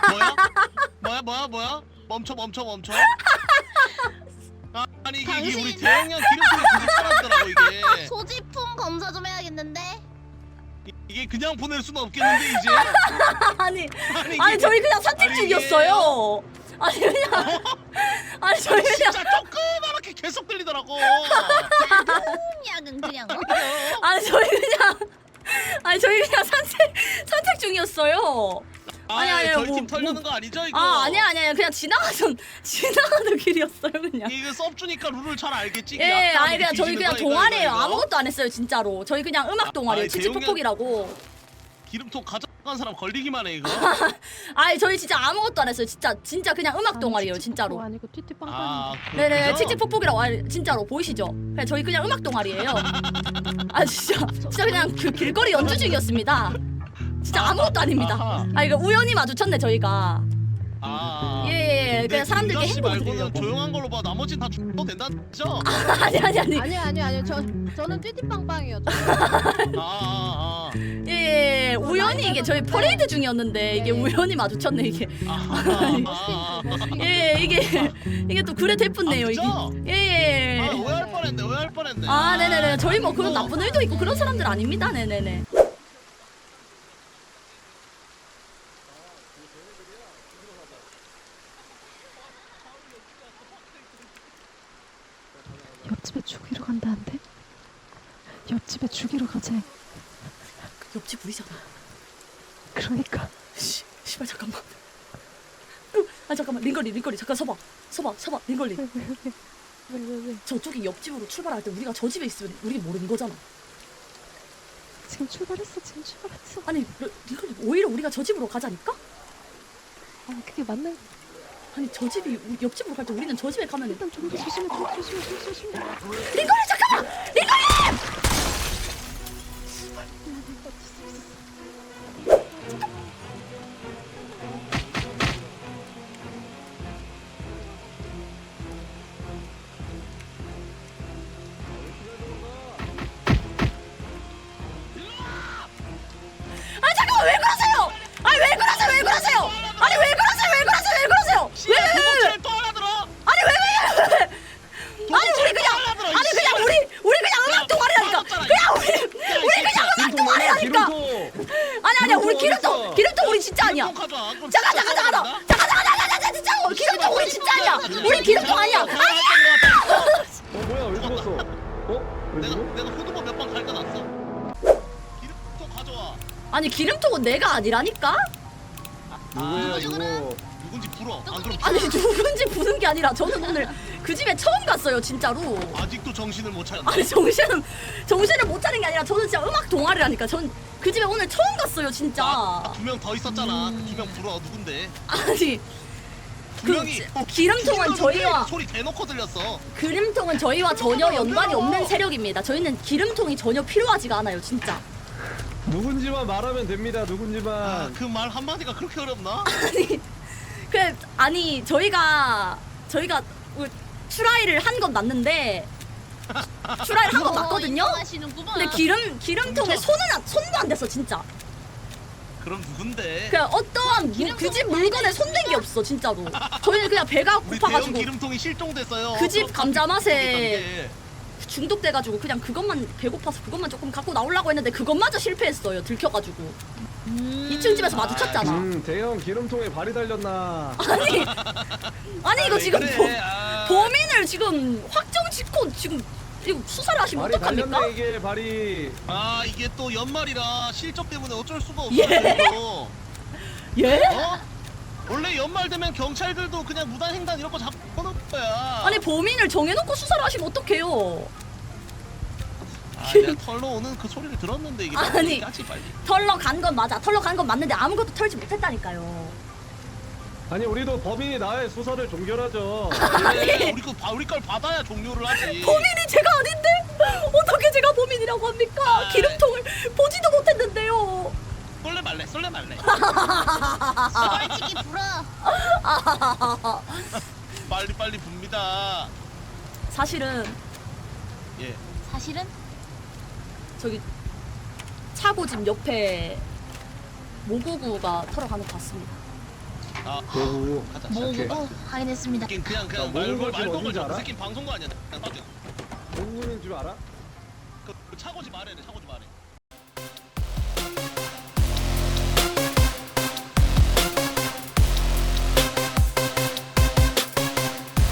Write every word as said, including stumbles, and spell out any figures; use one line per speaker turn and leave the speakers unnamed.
뭐야? 뭐야 뭐야 뭐야? 멈춰 멈춰 멈춰. 아, 아니 이게, 이게 우리
당신-
대형량 기름통이 계속 사라지더라고 이게.
소지품 검사 좀 해야겠는데.
이- 이게 그냥 보낼 수는 없겠는데 이제.
아니
아니, 이게-
아니 저희 그냥 산책
아니,
중이었어요. 아니 그냥 아니 저희 그냥
진짜 조그맣게 계속 들리더라고.
약은 그냥. 어?
아니 저희 그냥 아니 저희 그냥 산책 산책 중이었어요.
아,
아니, 아니,
저희
뭐-
팀 털려는
뭐-
거 아니죠 이거?
아 아니야 아니야 그냥 지나가던 지나가던 길이었어요 그냥.
이거 섭주니까 룰을 잘 알겠지. 이게
예,
약간
아니 그냥 저희
뒤지는
그냥
거 이거,
동아리예요.
이거, 이거.
아무것도 안 했어요 진짜로. 저희 그냥 음악 동아리예요.
아니,
칙칙폭폭이라고.
기름통 가져간 사람 걸리기만 해 이거.
아니 저희 진짜 아무것도 안 했어요. 진짜 진짜 그냥 음악 동아리예요 진짜로.
아니고 띠띠빵빵.
아, 그-
네네
그죠?
칙칙폭폭이라고. 아니, 진짜로 보이시죠? 그냥 저희 그냥 음악 동아리예요. 아 진짜 진짜 그냥 그 길거리 연주 중이었습니다. 진짜 아무것도 아닙니다.
아하.
아 이거 우연히 마주쳤네 저희가.
아.
예예예. 그냥 사람들께
씨
행복을
말고는
드리려고.
조용한 걸로 봐. 나머지는 다 죽어도 된다죠?
아니 아니 아니.
아니요 아니요 아니요 저 저는 띠띠빵빵이요. 저.
아, 아,
예, 예 우연히 이게 저희 퍼레이드 중이었는데 이게 우연히 마주쳤네 이게.
아. 아, 아, 아.
예 이게 이게 또 그래 대뿐네요
아,
이게.
그죠?
예.
아, 오해할 뻔했네. 오해할 뻔했네.
아 네네네 저희 뭐 그런 나쁜 의도 있고 그런 사람들 아닙니다. 네네네.
옆집에 죽이러 간다는데? 옆집에 죽이러 가재.
그 옆집 우리잖아.
그러니까.
씨, 씨발 잠깐만. 아 잠깐만 링걸리 링걸리 잠깐 서봐 서봐 서봐 링걸리.
왜 왜 왜 왜 왜 왜?
저쪽이 옆집으로 출발할 때 우리가 저 집에 있으면 우리 모르는 거잖아.
지금 출발했어 지금 출발했어.
아니 링걸리 오히려 우리가 저 집으로 가자니까?
아 그게 맞는.
아니 저 집이 우- 옆집으로 갈 때 우리는 저 집에 가면
일단 좀 더 조심해 좀 더 조심해 좀 더 조심해.
링걸리 잠깐만 링걸리. 아 잠깐만 왜 그러세요? 아니 왜 그러세요 왜 그러세요? 아니 왜 그러세요 왜 그러세요 왜 그러세요?
왜, 왜, 왜, 왜? 또 하나 들어?
아니 왜 왜 왜? 아니 우리 그냥 아니 그냥 우리 우리 그냥 음악 동아리라니까. 그냥 우리 우리 그냥 음악 동아리라니까. 아니 아니야 우리 기름통 기름통 우리 진짜 아니야.
기름통 가져와. 그럼
잠깐
진짜
잠깐 잠깐
써야
잠깐 잠깐 잠깐 잠깐 진짜 기름통 우리 진짜 아니야. 우리 기름통 아니야.
된다.
아니야.
어 뭐야 왜 죽었어? 어? 왜
내가
죽어?
내가 후드보 몇 번 갈겨놨어. 기름통 가져와.
아니 기름통은 내가 아니라니까.
누구야
이거는-
이거?
누군지 불어. 안 그럼
아니 누군지 부는 게 아니라 저는 오늘 그 집에 처음 갔어요 진짜로.
아직도 정신을 못 차렸네.
아니 정신은 정신을 못 차린 게 아니라 저는 진짜 음악 동아리라니까. 전 그 집에 오늘 처음 갔어요 진짜.
두 명 더 있었잖아. 그 두 명 불어. 누군데?
아니
두
그
명이
지-
어,
기름통은
죽이려는데
저희와
소리 대놓고 들렸어.
기름통은 저희와 전혀 연관이 없는 세력입니다. 저희는 기름통이 전혀 필요하지가 않아요 진짜.
누군지만 말하면 됩니다.
아,
누군지만.
그 말 한마디가 그렇게 어렵나?
아니 그 아니 저희가 저희가 추라이를 한 건 맞는데 추라이를 한 건 맞거든요.
하시는구만.
근데 기름 기름통에
훔쳐.
손은 안, 손도 안 댔어 진짜.
그럼 누군데?
그냥 어떠한 그 집 물건에 손댄 게 없어 진짜로. 저희는 그냥 배가
우리 대형
고파가지고
기름통이 실종됐어요.
그 집
그럼
감자 맛에
게
중독돼가지고 그냥 그것만 배고파서 그것만 조금 갖고 나오려고 했는데 그것마저 실패했어요. 들켜가지고 이 층 집에서 마주쳤잖아.
음 대형 기름통에 발이 달렸나?
아니 아니 이거
왜
지금
그래?
보,
아.
범인을 지금 확정 짓고 지금 이거 수사를 하시면
발이
어떡합니까?
달렸네 이게 발이.
아 이게 또 연말이라 실적 때문에 어쩔 수가 없어.
예?
요
예?
어? 원래 연말 되면 경찰들도 그냥 무단횡단 이런 거 잡아놓을 거야.
아니 범인을 정해놓고 수사를 하시면 어떡해요?
아, 내가 털러 오는 그 소리를 들었는데 이게
아니.
까지 빨리.
털러 간 건 맞아. 털러 간 건 맞는데 아무것도 털지 못했다니까요.
아니 우리도 범인이 나의 수사를 종결하죠.
그래, 우리 거 봐- 우리 걸 받아야 종료를 하지.
범인이 제가 아닌데 어떻게 제가 범인이라고 합니까?
아.
기름통을 보지도 못했는데요.
쏠래 말래, 쏠래 말래.
솔직히 불어.
빨리 빨리 붑니다.
사실은
예.
사실은
저기 차고집 옆에 모구구가 털어가는 것 같습니다.
아
오.
가자.
오케이.
모으고 확인했습니다.
새끼 그냥
야,
그냥
모으는
말걸
거
말걸
어딘지
줘. 그
알아?
새끼 방송거 아니야. 그냥 따져.
공군인 줄 알아?
그 차고지 말해. 차고지 말해.